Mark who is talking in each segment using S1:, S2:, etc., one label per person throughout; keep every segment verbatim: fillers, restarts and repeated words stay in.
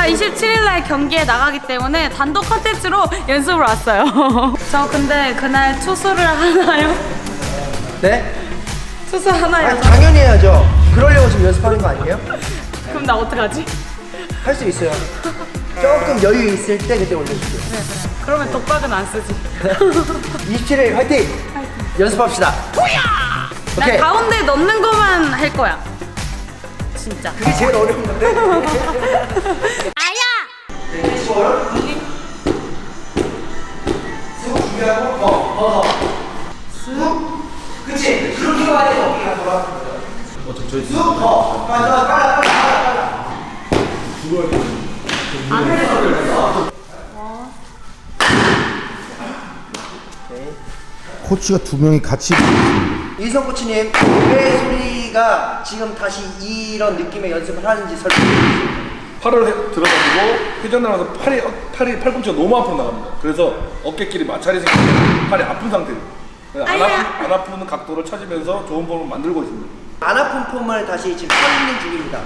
S1: 제가 이십칠 일 날 경기에 나가기 때문에 단독 컨텐츠로 연습을 왔어요. 저 근데 그날 투수를 하나요?
S2: 네?
S1: 투수 하나요?
S2: 아니, 당연히 해야죠. 그러려고 지금 연습하는 거 아니에요?
S1: 그럼 나 어떡하지?
S2: 할 수 있어요. 조금 여유 있을 때 그때 올려줄게요.
S1: 그래 그래. 그러면 독박은 안 쓰지.
S2: 이십칠 일 화이팅! 연습합시다.
S1: 나
S2: 오케이.
S1: 가운데 넣는 거만 할 거야. 진짜.
S2: 그게 제일 어려운 건데.
S1: 아야!
S2: 쑥 준비하고 더, 더, 더. 쑥. 그치? 그렇게 가야 돼. 어깨가 돌아. 어, 쑥 더. 빨라, 빨라, 빨라, 빨라.
S1: 안 해도
S3: 코치가 두 명이 같이
S2: 이성 코치님, 왜 소리가 지금 다시 이런 느낌의 연습을 하는지 설명해 주세요.
S4: 팔을 해, 들어가지고 회전을 하면서 팔이 어, 팔이 팔꿈치가 너무 앞으로 나갑니다. 그래서 어깨끼리 마찰이 생기면 팔이 아픈 상태예요. 안 아픈 안 아픈 각도를 찾으면서 좋은 폼을 만들고 있습니다.
S2: 안 아픈 폼을 다시 지금 찾는 중입니다.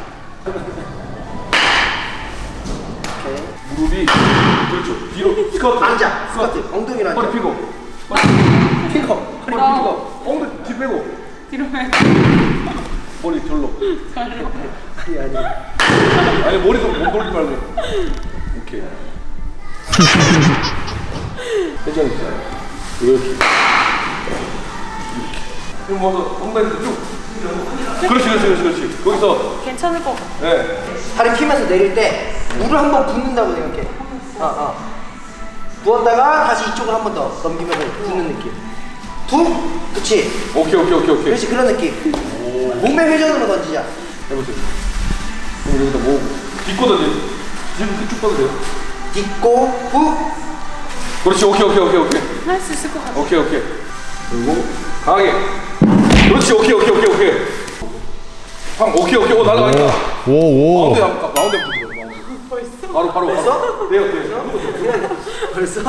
S2: 오케이.
S4: 무릎이 그렇죠. 뒤로 스쿼트.
S2: 앉아. 스쿼트. 엉덩이로 앉아.
S4: 허리 펴고.
S2: 핑커.
S4: 허리 펴고. 엉덩이 뒤 빼고.
S1: 뒤로 해.
S4: 머리 절로.
S2: 아니 아니.
S4: 아니 머리도 못 돌리지 말고. 오케이. 회전 있어요. 이렇게. 그럼 뭐 엉덩이 쭉. 그렇지 그렇지 그렇지 그렇지. 거기서
S1: 괜찮을 것 같아.
S4: 네.
S2: 다리 피면서 내릴 때 물을 한 번 붓는다고 생각해. 어, 어. 부었다가 다시 이쪽으로 한 번 더 넘기면서 붓는 느낌. 툭! 그치?
S4: 오케이 오케이 오케이 오케이.
S2: 그렇지, 그런 느낌. 몸의 회전으로 던지자.
S4: 해보세요. 그럼 여기다 모으고 딛고 던져. 지금 쭉 뻗어도 돼요.
S2: 딛고, 후!
S4: 그렇지 오케이 오케이 오케이 오케이
S1: 할 수 있을 것 같아.
S4: 오케이 오케이. 그리고 강하게. 그렇지 오케이 오케이 오케이 오케이. 방 오케이 오케이 오 날아가니까.
S3: 오오
S4: 마운드 한번 마운드부터 들어. 마운드. 벌써? 바로 바로
S2: 벌써?
S4: 돼요 돼요.
S2: 벌써?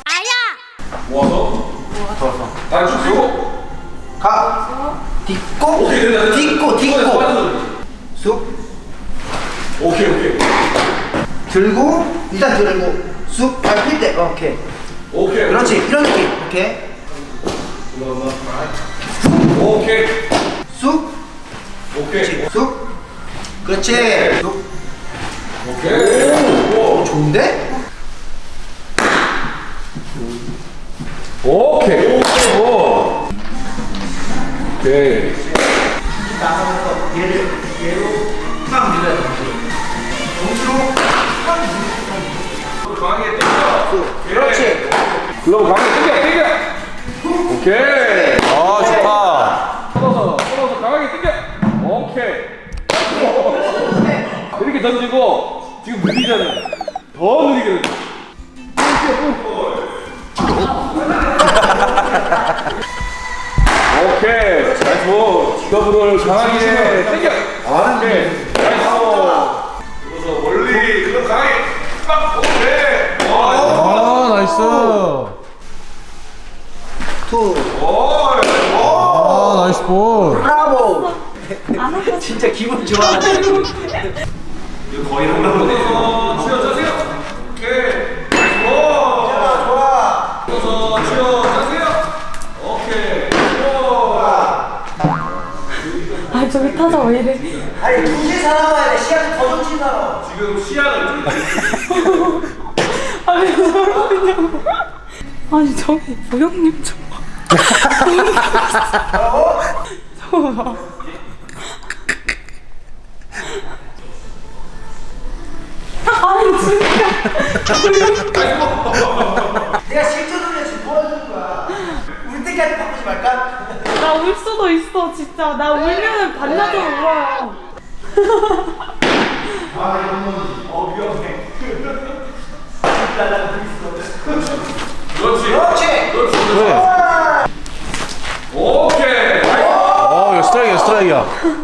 S4: 모아서. 모아서. 다리 쭉 세우고.
S2: 가! 딛고,
S4: 오케이 된다 된다.
S2: 딛고, 딛고.
S4: 빠져들어.
S2: 쑥!
S4: 오케이 오케이.
S2: 들고, 일단 들고, 쑥! 발 필 때, 어, 오케이.
S4: 오케이.
S2: 그렇지, 이런 느낌. 오케이.
S4: 오케이.
S2: 쑥!
S4: 오케이.
S2: 쑥! 그렇지! 쑥!
S4: 오케이.
S2: 오, 좋은데?
S4: 오케이. 오. 오케이.
S2: 나가면서 얘를, 얘로 막 밀어야 돼. 동시로 막 밀어.
S4: 강하게 당겨.
S2: 그렇지.
S4: 글러브 강하게 당겨 당겨. 오케이.
S3: 아 좋다.
S4: 뻗어서 뻗어서 강하게 당겨. 오케이. 이렇게 던지고 지금 느리잖아요. 더 느리게 던져. 오케이. 나이스 볼. 글러브를 강하게 당겨. 오케이. 나이스 볼. 그래서 멀리 글러브 강하게 빡. 오케이. 와.
S3: 아 나이스.
S2: 투.
S3: 아 나이스 볼.
S2: 브라보. 진짜 기분 좋아.
S4: 이거 거의 한 번에 치워 짜세요. 오케이. 오.
S2: 좋아, 좋아.
S4: 쳐서 치워 짜세요. 오케이. 좋아.
S1: 아 저기 타자 왜 이래?
S2: 아니, 두시 살아와야 돼. 시야도 더 좋지, 살아.
S4: 지금 시야를
S1: 아니 저러냐고. 아니 저기 보영님 좀 봐. 저거 봐. 아니 진짜.
S2: 내가 실전으로 지금 보여주는 거야. 울 때까지 바꾸지 말까?
S1: 나 울 수도 있어 진짜. 나 울면은 반나절 울어요.
S2: 아, 이건 어, 위험해.
S4: 그렇지.
S2: 그렇지.
S4: 그렇지.
S3: 그래.
S4: 오케이.
S3: 어 이거 스트라이크야 스트라이크야.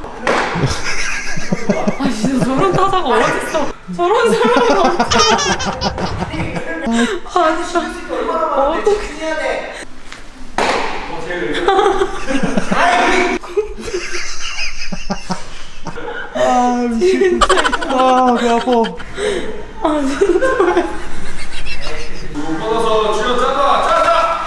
S1: 아 진짜 저런 타자가 어딨어. 저런 사람이 없잖아. 아 진짜. 어떡해.
S2: 해야 돼.
S3: 아 미치겠다. 아배 아파.
S4: 뻗어서 쥐어 짜자 짜자.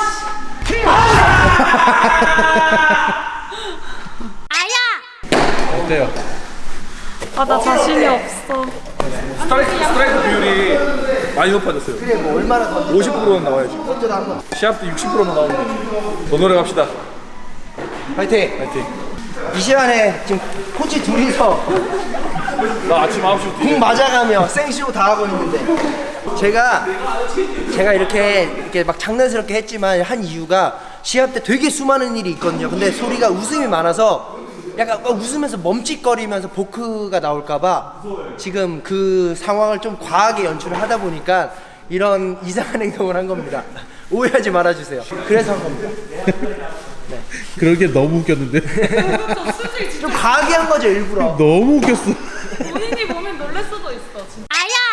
S3: 어때요?
S1: 아, 나 자신이 없어.
S4: 스트라이크 스트라이크 비율이 많이 높아졌어요.
S2: 그래 뭐 얼마나 더
S4: 오십 퍼센트는 나와야지.
S2: 던져도 한번
S4: 시합 때 육십 퍼센트만 나오는데 더 노력합시다.
S2: 파이팅.
S4: 파이팅.
S2: 이 시간에 지금 코치 둘이서
S4: 나 아침 아홉 시부터
S2: 공 맞아가며 생쇼 다 하고 있는데 제가 제가 이렇게 이렇게 막 장난스럽게 했지만 한 이유가 시합 때 되게 수많은 일이 있거든요. 근데 소리가 웃음이 많아서 약간 웃으면서 멈칫거리면서 보크가 나올까봐 지금 그 상황을 좀 과하게 연출을 하다 보니까 이런 이상한 행동을 한 겁니다. 오해하지 말아주세요. 그래서 한 겁니다.
S3: 그러게 너무 웃겼는데.
S2: 좀 과하게 한 거죠 일부러.
S3: 너무 웃겼어.
S1: 본인이 보면 놀랄 수도 있어. 진짜.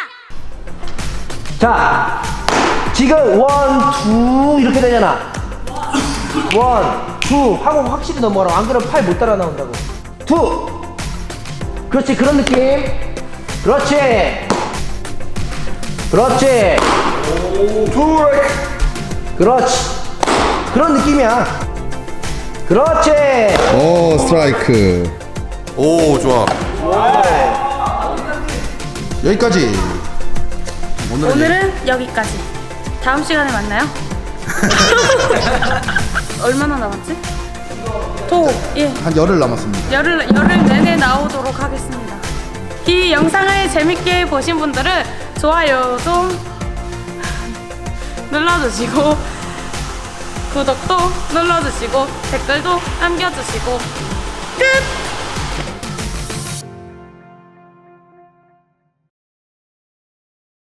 S2: 자, 지금 원, 투 이렇게 되잖아. 원, 투 하고 확실히 넘어가라. 안 그러면 팔 못 따라 나온다고. 투. 그렇지, 그런 느낌. 그렇지. 그렇지. 투. 그렇지. 그런 느낌이야. 그렇지.
S3: 오, 스트라이크.
S5: 오 좋아. 여기까지. 오늘은
S1: 오늘은 여기까지. 다음 시간에 만나요. 얼마나 남았지? 도, 예.
S5: 한 열흘 남았습니다.
S1: 열흘, 열흘 내내 나오도록 하겠습니다. 이 영상을 재밌게 보신 분들은 좋아요 좀 눌러주시고 구독도 눌러주시고 댓글도 남겨주시고 끝!